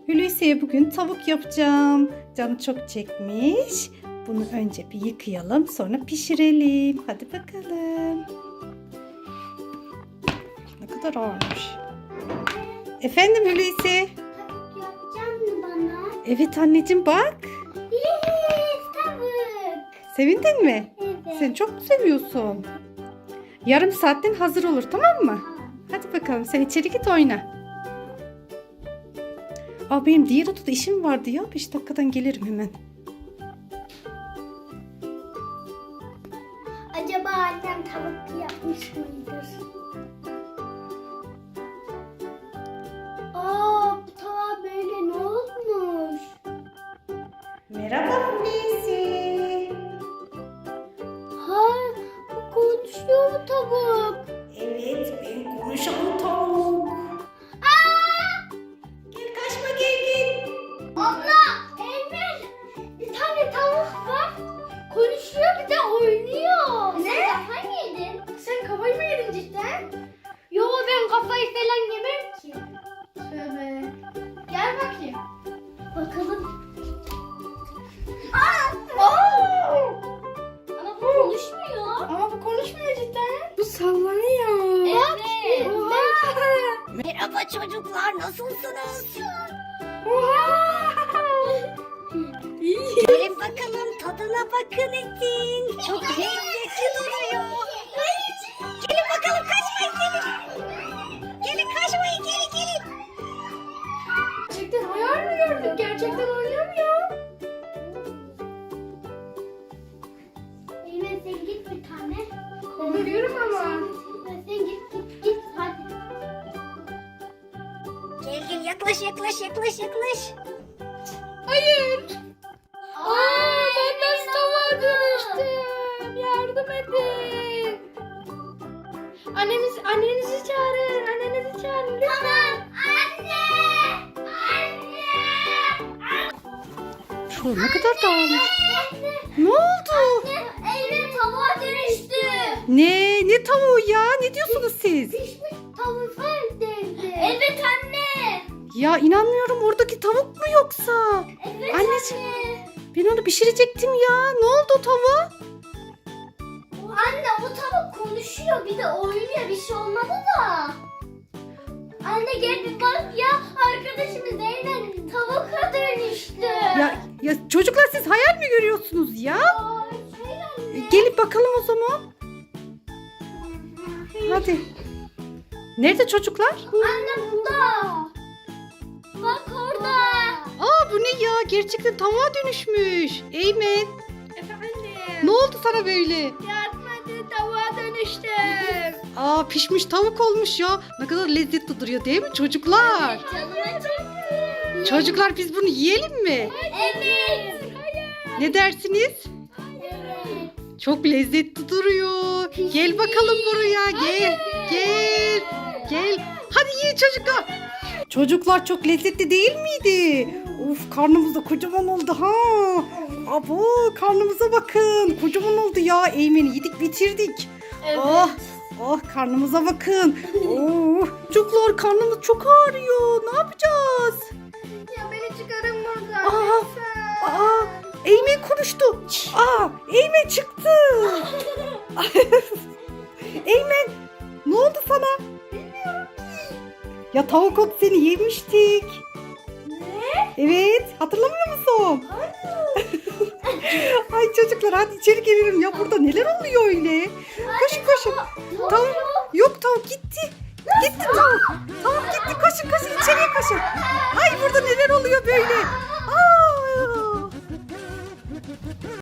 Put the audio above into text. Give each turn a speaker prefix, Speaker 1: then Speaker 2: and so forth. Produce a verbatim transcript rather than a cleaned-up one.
Speaker 1: Hulusi'ye bugün tavuk yapacağım. Canı çok çekmiş. Bunu önce bir yıkayalım, sonra pişirelim. Hadi bakalım. Ne kadar ağırmış. Efendim Hulusi?
Speaker 2: Tavuk yapacaksın mı bana?
Speaker 1: Evet anneciğim bak.
Speaker 2: Yes, tavuk.
Speaker 1: Sevindin mi?
Speaker 2: Evet.
Speaker 1: Sen çok mu seviyorsun? Yarım saatten hazır olur, tamam mı? Hadi bakalım, sen içeri git oyna. Aa, benim diğer odada işim vardı ya. beş dakikadan gelirim hemen.
Speaker 2: Acaba annem tavuk yapmış mıdır? Aa, bu tava böyle ne olmuş?
Speaker 1: Merhaba Hulusi.
Speaker 2: Ha, bu konuşuyor mu tavuk?
Speaker 1: Evet, ben konuşan tavuk.
Speaker 2: Aa!
Speaker 1: Gel kaçma, gel gel.
Speaker 2: Abla, Emir, bir tane tavuk var. Konuşuyor bir de oynuyor. Ne? Sen kafayı mı yedin? Sen kafayı mı yedin cidden? Yo, ben kafayı falan yemem ki. Tövbe. Gel bakayım. Bakalım. Aa! Aa! Ama bu konuşmuyor. Ama bu konuşmuyor cidden.
Speaker 1: Bu sallanıyor.
Speaker 2: Evet. Oha.
Speaker 3: Merhaba çocuklar, nasılsınız? Gelin bakalım, tadına bakın etin. Çok lezzetli duruyor. Gelin bakalım, kaçmayın gelin. Gelin kaçmayın, gelin gelin.
Speaker 2: Gerçekten hayal mi gördük? Gerçekten oynuyor mu ya? Eymen sen git bir tane. Kovuyorum ama. Sen git git git hadi.
Speaker 3: Gel gel, yaklaş yaklaş yaklaş yaklaş.
Speaker 2: Hayır. Aa, ben nasıl tavuğa dönüştüm? Yardım edin. Anneniz, annenizi çağırın. Annenizi çağırın lütfen. Tamam. Anne. Anne.
Speaker 1: Şu ne kadar dağılmış.
Speaker 2: Anne.
Speaker 1: Ne oldu?
Speaker 2: Eymen tavuğa dönüştü.
Speaker 1: Ne? Ne tavuğu ya? Ne diyorsunuz siz?
Speaker 2: Pişmiş tavuk evdeydi. Evet anne.
Speaker 1: Ya inanmıyorum, oradaki tavuk mu yoksa?
Speaker 2: Evet
Speaker 1: Anneciğim.
Speaker 2: anne.
Speaker 1: Ben onu pişirecektim ya. Ne oldu o tavuğa?
Speaker 2: Anne o tavuk konuşuyor bir de oynuyor, bir şey olmadı da. Anne gel bir bak ya, arkadaşımız Eymen tavuğa dönüştü.
Speaker 1: Ya, ya çocuklar, siz hayal mi görüyorsunuz ya?
Speaker 2: Aa, şey anne.
Speaker 1: Gelip bakalım o zaman. Hadi. Nerede çocuklar?
Speaker 2: Anne burada. Bak orada.
Speaker 1: Aa, bu ne ya? Gerçekten tavuğa dönüşmüş. Eymen,
Speaker 2: Efendim.
Speaker 1: ne oldu sana böyle?
Speaker 2: Yardım edin, tavuğa dönüştüm.
Speaker 1: Aa, pişmiş tavuk olmuş ya. Ne kadar lezzetli duruyor değil mi çocuklar?
Speaker 2: Canıma çekti.
Speaker 1: Çocuklar, biz bunu yiyelim mi?
Speaker 2: Evet.
Speaker 1: Ne dersiniz?
Speaker 2: Evet.
Speaker 1: Çok lezzetli duruyor. Gel bakalım buraya. Gel. Gel. Gel. Hadi yiyin çocuklar. Çocuklar, çok lezzetli değil miydi? Of, karnımız da kocaman oldu ha. Abo, karnımıza bakın. Kocaman oldu ya. Eymen'i yedik bitirdik.
Speaker 2: Evet.
Speaker 1: Oh. Oh, karnımıza bakın. Oh. Çocuklar, karnımız çok ağrıyor. Ne yapacağız?
Speaker 2: Ya beni çıkarın buradan.
Speaker 1: Aa,
Speaker 2: lütfen.
Speaker 1: aa, Eymen konuştu. Aa, Eymen çıktı. Eymen, ne oldu sana? Bilmiyorum ki. Ya tavuk ot seni yemiştik.
Speaker 2: Ne?
Speaker 1: Evet, hatırlamıyor musun? Ay çocuklar, hadi içeri gelelim ya, burada neler oluyor öyle? Koşun koşun. Tavuk, yok tavuk gitti. Gitti tavuk. Tavuk gitti, koşun koşun içeriye koşun. Ay, burada neler oluyor böyle?